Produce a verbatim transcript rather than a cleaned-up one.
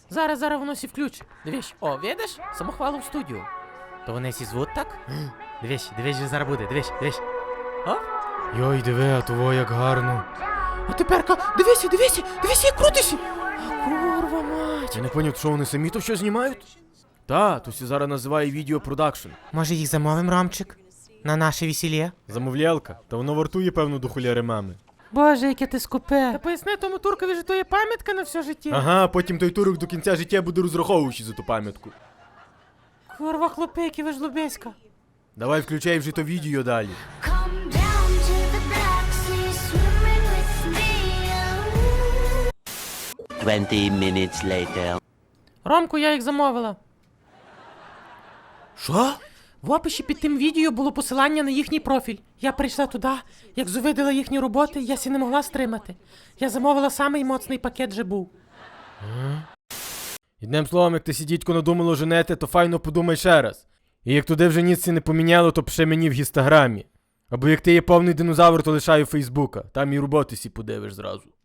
Зараз, зараз воно сі включить. Дивись, о, видиш? Самохвалу в студію. То вони сі звуть так? Дивись, дивись, що зараз буде, дивись, дивись. О? Йой, диви, а того як гарно. А теперка, дивися, дивися, дивися, як крутишся. А курва мать. Я не поняв, що вони самі то що знімають? Та, то сі зараз називає відеопродакшн. Може їх замовим, Ромчик? На наше весілля? Замовлялка, та воно вартує, певно, до хуляри мами. Боже, яке ти скупе. Та поясни тому туркові, що то є пам'ятка на все життя. Ага, потім той турок до кінця життя буде розраховуючи за ту пам'ятку. Курва хлопеки, ви ж лубеська. Давай включай вже то відео далі. Come down to the Black Sea, swimming with me. Twenty minutes later. Ромку, я їх замовила. Що? В описі під тим відео було посилання на їхній профіль. Я прийшла туди, як зувидила їхні роботи, я сі не могла стримати. Я замовила самий моцний пакет же був. Одним словом, як ти сі дідько надумало женете, то файно подумай ще раз. І як туди вже ніц не поміняло, то пиши мені в інстаграмі. Або як ти є повний динозавр, то лишаю Фейсбука. Там і роботи сі подивиш зразу.